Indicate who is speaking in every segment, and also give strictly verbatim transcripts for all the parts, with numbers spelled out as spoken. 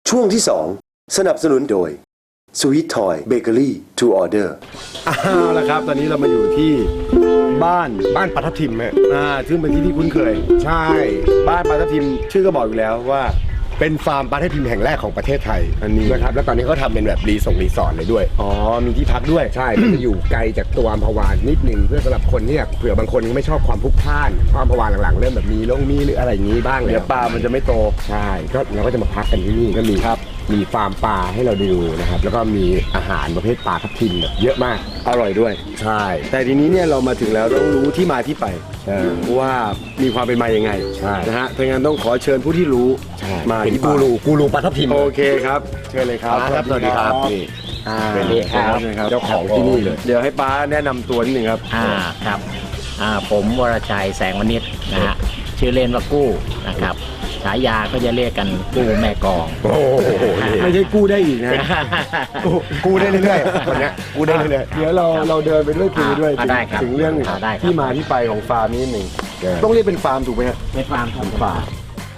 Speaker 1: ช่วงที่สองสนับสนุนโดย Sweet Toy Bakery to Order
Speaker 2: เอาละครับตอนนี้เรามาอยู่ที่บ้านบ้านปลาทับทิมฮะอ่าซึ่งเป็นที่ที่คุ้นเคยใช่บ้านปลาทับทิมชื่อก็บอกอยู่แล้วว่าเป็นฟาร์มปลาทับทิมแห่งแรกของประเทศไทยอันนี้นะครับแล้วตอนนี้เขาทำเป็นแบบรีสอร์ทรีสอร์ทเลยด้วยอ๋อมีที่พักด้วยใช่มันจะอยู่ไกลจากตัวอัมพวานิดนึงเพื่อสำหรับคนที่เผื่อบางคนไม่ชอบความพลุกพล่านความอัมพวาหลังๆเริ่มแบบมีลงมีหรืออะไรอย่างนี้บ้างเลยเดี๋ยวปลามันจะไม่โตใช่ก็เราก็จะมาพักกันที่นี่ก็มีครับมีฟาร์มปลาให้เราดูนะครับแล้วก็มีอาหารประเภทปลาทับทิมแบบเยอะมากอร่อยด้วยใช่แต่ทีนี้เนี่ยเรามาถึงแล้วต้องรู้ที่มาที่ไปว่ามีความเป็นมายังไงใช่นะฮะถ้างั้นต้องขอเชิญผู้ที่รู้มาที่กูรูกูรูปลาทับทิมโอเคครับเชิญเลยครับสวัสดีครับนี่เป็นนี่ครับเจ้าของที่นี่เลยเดี๋ยวให้ป้าแนะนำตัวนิดนึงครับ
Speaker 3: อ่าครับอ่าผมวรชัยแสงวณิชนะฮะชื่อเล่นว่ากู้นะครับฉายาก็จะเรียกกันกู้แม่กอง
Speaker 2: โอ้โหไม่ใช่กู้ได้อีกนะกู้ได้เรื่อยๆคนนี้กู้ได้เรื่อยๆเดี๋ยวเราเราเดินไปด้วยคุยด้วยถึงเรื่องที่มาที่ไปของฟาร์มนี้หนึ่งต้องเรียกเป็นฟาร์มถูกไหมครับ
Speaker 3: เป็นฟาร์มครับฟาร์ม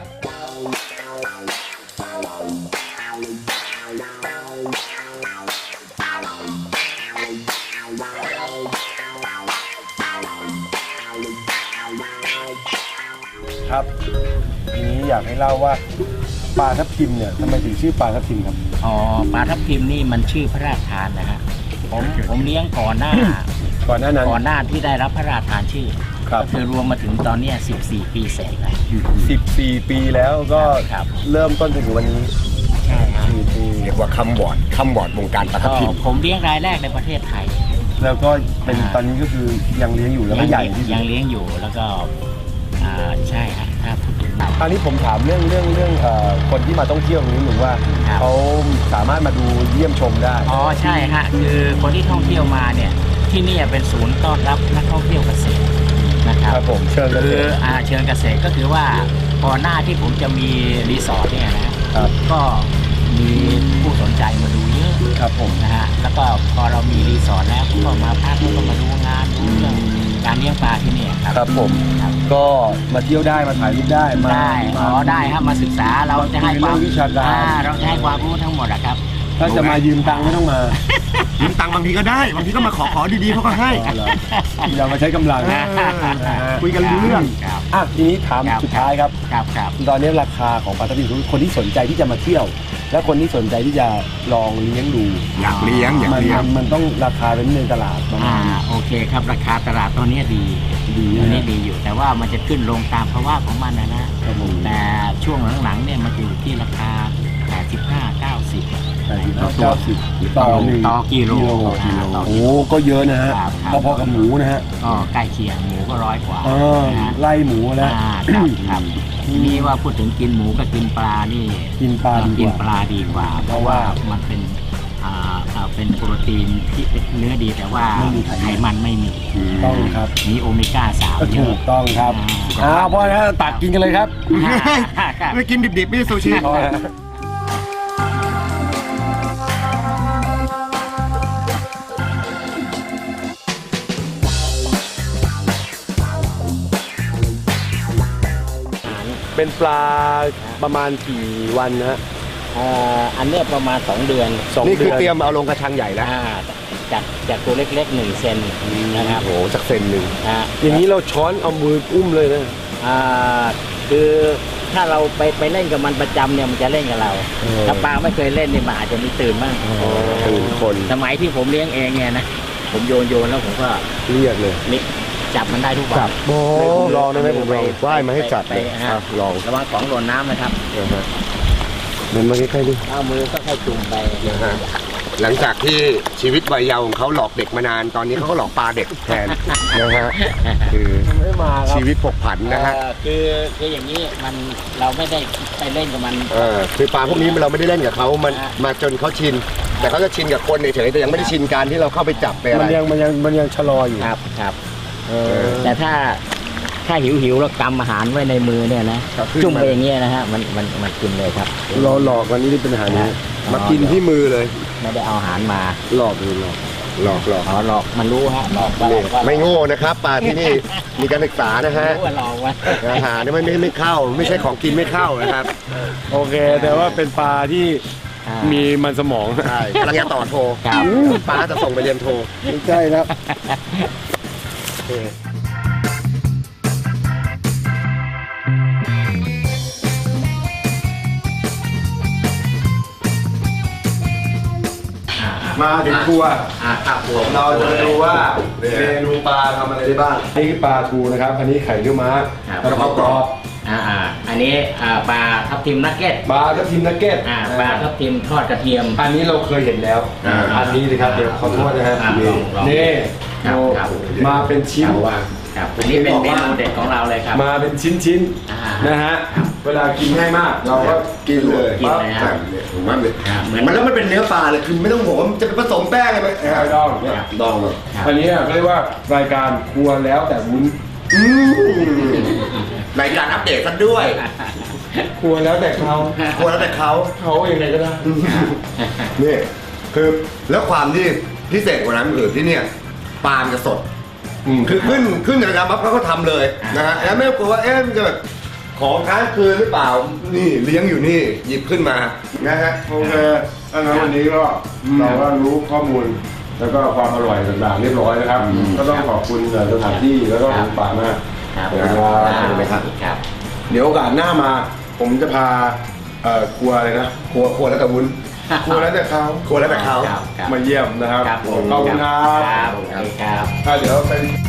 Speaker 2: ครับทีนี้อยากให้เล่าว่าปลาทับทิมเนี่ยทำไมถึงชื่อปลาทับทิมครับ
Speaker 3: อ๋อปลาทับทิมนี่มันชื่อพระราชทานนะฮะผมผมเลี้ยงก่อนหน้า
Speaker 2: ก่อนหน้านั้น
Speaker 3: ก่อนหน้าที่ได้รับพระราชทานชื่อ
Speaker 2: ครับ
Speaker 3: คือรวมมาถึงตอนนี้สิบสี่ปีเสร็จแล้ว
Speaker 2: สิบสี่ปีแล้วก็เริ่มต้นจนถึงวันนี้
Speaker 3: ใช่ครับ
Speaker 2: เรียกว่าคำบอร์ดคำบอร์ดวงการปลาทับทิม
Speaker 3: ผมเลี้ยงรายแรกในประเทศไทย
Speaker 2: แล้วก็เป็นตอนนี้ก็คือยังเลี้ยงอยู่แล้วก็ใหญ่ที่
Speaker 3: ยังเลี้ยงอยู่แล้วก็ใช่ครับถ้าพูดถึง
Speaker 2: อันนี้ผมถามเรื่องเรื่องเรื่องคนที่มาท่องเที่ยวนี้หรือว่าเขาสามารถมาดูเยี่ยมชมได้
Speaker 3: อ๋อใช่ฮะคือคนที่ท่องเที่ยวมาเนี่ยที่นี่เป็นศูนย์ต้อนรับนักท่องเที่ยวเกษตรนะครับ
Speaker 2: ครับผมเชิญ
Speaker 3: คือเชิญเกษตรก็คือว่าพอหน้าที่ผมจะมีรีสอร์ทเนี่ยนะครับก็มีผู้สนใจมาดูเยอะ
Speaker 2: ครับผม
Speaker 3: นะฮะแล้วก็พอเรามีรีสอร์ทแล้วก็มาพักแล้วก็มาดูงานดูเรื่องการเลี้ยงปลาที่นี่ครับ
Speaker 2: ครับผมก็มาเที่ยวได้มาถ่ายรูปได้
Speaker 3: มาได้อ๋อได้ครับมาศึกษาเราจะให้ความ
Speaker 2: วิชาการ
Speaker 3: เราจะให้ความรู้ทั้งหมดอะครับ
Speaker 2: ถ้าจะมายืมตังค์ไม่ต้องมา
Speaker 4: ยืมตังค์บางทีก็ได้บางทีก็มาขอขอดีๆเขาก็ให้
Speaker 2: อย่ามาใช้กำลังคุยกันรู้เรื่องอ่ะทีนี้ถามสุดท้ายครับ
Speaker 3: ครับครับ
Speaker 2: ตอนนี้ราคาของปลาทับทิมคนที่สนใจที่จะมาเที่ยวและคนที่สนใจที่จะลองเลี้ยงดู
Speaker 4: อยากเลี้ยงอยากเลี้ยง
Speaker 2: มันต้องราคาเป็นในตลาด
Speaker 3: อ่าโอเคครับราคาตลาดตอนนี้ดี
Speaker 2: ดี
Speaker 3: ตอนนี้ดีอยู่แต่ว่ามันจะขึ้นลงตามภาวะของมันนะนะแต่ช่วงหลังๆเนี่ยมันอยู่ที่ราคาแปดสิบห้า เก้าสิบ
Speaker 2: เก้าสิบต่อหนึ่ง
Speaker 3: ต่อกิโล
Speaker 2: โอ้ก็เยอะนะฮะพอๆกับหมูนะฮะ
Speaker 3: ก็ใกล้เคียงหมูก็ร้อยกว่า
Speaker 2: ไล่หมูแล้ว
Speaker 3: ครับทีนี้ว่าพูดถึงกินหมูกับกินปลานี่
Speaker 2: กินปลา
Speaker 3: กินปลาดีกว่าเพราะว่ามันเป็นอ่าเป็นโปรตีนที่เนื้อดีแต่ว่าไขมันไม่มี
Speaker 2: ต้องครับ
Speaker 3: มีโอเมก้าสาม
Speaker 2: ถูกต้องครับอ่าเพราะงั้นตักกินกันเลยครับ
Speaker 4: ไม่กินดิบๆไม่ซูชิ
Speaker 2: เป็นปลาประมาณกี่วันนะฮะ
Speaker 3: อันนี้ประมาณสองเดือน
Speaker 2: นี่คือเตรียมเอาลงกระชังใหญ่แล้ว
Speaker 3: จากจากตัวเล็กๆหนึ่งเซนนะครับ
Speaker 2: โอ้จากเซนหนึ่งอย่างนี้เราช้อนเอามืออุ้มเลยนะ
Speaker 3: คือถ้าเราไปไปเล่นกับมันประจำเนี่ยมันจะเล่นกับเราถ้าปลาไม่เคยเล่นเนี่ยมันอาจจะมีตื่นบ้าง
Speaker 2: ตื่นคน
Speaker 3: สมัยที่ผมเลี้ยงเองเนี่ยนะผมโยนโยนแล้วผมก็
Speaker 2: เรียกเลย
Speaker 3: นี่จับมันได้ทุกวัน
Speaker 2: จับโอ้ลองได้ไหมผมลองว่ายมาให้จับเลยลอง
Speaker 3: ระวังของหล่นน้ำนะครับ
Speaker 2: เดินมาใกล้ๆดิ
Speaker 3: เอามือก็ค่อยจุ่มไป
Speaker 2: นะฮะหลังจากที่ชีวิตวัยเยาว์ของเขาหลอกเด็กมานานตอนนี้เขาก็หลอกปลาเด็กแทนนะฮะคือชีวิตผกผันนะฮะ
Speaker 3: คือคืออย่างนี้มันเราไม่ได้ไปเล่นกับมัน
Speaker 2: เออคือปลาพวกนี้เราไม่ได้เล่นกับเขามันมาจนเขาชินแต่เขาจะชินกับคนเฉยๆแต่ยังไม่ได้ชินการที่เราเข้าไปจับไปอะไรมันยังมันยังมันยังชะลออยู่
Speaker 3: ครับครับแต่ถ้าถ้าหิวหิวแล้วกำอาหารไว้ในมือเนี่ยนะจุ่มไปอย่างเงี้ยนะฮะมันมันมันกินเลยครับ
Speaker 2: เราหลอกวันนี้ที่เป็นอาหารนี้มากินที่มือเลย
Speaker 3: ไม่ได้เอาอาหารมา
Speaker 2: หลอกเลยหลอกหลอกหลอก
Speaker 3: อ๋อหลอกมันรู้ฮะหลอกว่าว่า
Speaker 2: ไม่โง่นะครับปลาที่นี่มีการศึกษานะฮะ
Speaker 3: รู้ว่าหลอกว่า
Speaker 2: อาหารนี่ไม่ไม่ไม่เข้า ไม่ใช่ของกินไม่เข้านะครับ โอเค แต่ว่าเป็นปลาที่
Speaker 3: อ่า
Speaker 2: มีมันสมองใช่กำลังจะต่อโทร
Speaker 3: ครับ
Speaker 2: ปลาจะส่งไปเรียนโทรไม่ใช่ครับ มาถึงครัว
Speaker 3: อ่าครับผม
Speaker 2: เราจะมาดูว่าเมนูปลาทำอะไรได้บ้าง นี่คือปลาทูนะครับ อันนี้ไข่เนื้อม้า
Speaker 3: ครับ
Speaker 2: กระเพรากรอบ
Speaker 3: อ่าอ่าอันนี้อ่าปลาทับทิมนักเก็ต
Speaker 2: ปลาทับทิมนักเก็ต
Speaker 3: อ่าปลาทับทิมทอดกระเทียม
Speaker 2: อันนี้เราเคยเห็นแล้ว
Speaker 3: อ่า
Speaker 2: อันนี้เลยครับเดี๋ยวขอโทษนะฮะ
Speaker 3: อ่า
Speaker 2: นี่
Speaker 3: ลองลอง
Speaker 2: นี่
Speaker 3: ครับ
Speaker 2: โอ้
Speaker 3: ครับ
Speaker 2: มาเป็นชิ้น
Speaker 3: ครับอันนี้เป็นเมนูเด็ดของเราเลยครับ
Speaker 2: มาเป็นชิ้นชิ้นๆ
Speaker 3: อ่า
Speaker 2: นะฮะ
Speaker 3: ครับ
Speaker 2: เวลากินง่ายมาก เราก็กินเลย
Speaker 3: กินเลยฮะ
Speaker 2: ปั๊บเนี่ยผมว่าเนี่ย
Speaker 3: ครับเหมือน
Speaker 2: มันแล้วมันเป็นเนื้อปลาเลยคือไม่ต้องห่วงว่ามันจะไปผสมแป้งอะไรไหมไม่ต้องเนี่ย
Speaker 3: ครับ
Speaker 2: ดองเลย
Speaker 3: ครับ
Speaker 2: อันนี้เขาเรียกว่ารายการครัวแล้วแต่วุ้นรายการอัปเดตซะด้วย ครัวแล้วแต่เขาครัวแล้วแต่เขาเขายังไงก็ได้นี่คือแล้วความที่พิเศษกว่านั้นคือที่เนี่ยปลามันจะสดคือขึ้นขึ้นจากการปั๊บเขาก็ทำเลยนะฮะแล้วไม่ต้องกลัวว่าเอ๊ะมันจะแบบของค้างคืนหรือเปล่านี่เลี้ยงอยู่นี่หยิบขึ้นมานะฮะโอเคอันนั้นวันนี้ก็เราก็รู้ข้อมูลแล้วก็ความอร่อยต่างๆเรียบร้อยนะครับ ก็ต้องขอบคุณสถานที่แล้วก็คุณป่ามาก
Speaker 3: ครับ
Speaker 2: นะครับ
Speaker 3: ครับ
Speaker 2: เดี๋ยวโอกาสหน้ามา ผมจะพาเอ่อครัวอะไรนะครัวครัวแล้วแต่วุ้นครัวแล้วแต่เขาครัวแล้วแต่เขา
Speaker 3: ครับครับ
Speaker 2: มาเยี่ยมนะครับ
Speaker 3: ครับผม
Speaker 2: ขอบคุณครับ
Speaker 3: ครับครับ
Speaker 2: อ่ะเดี๋ยวไป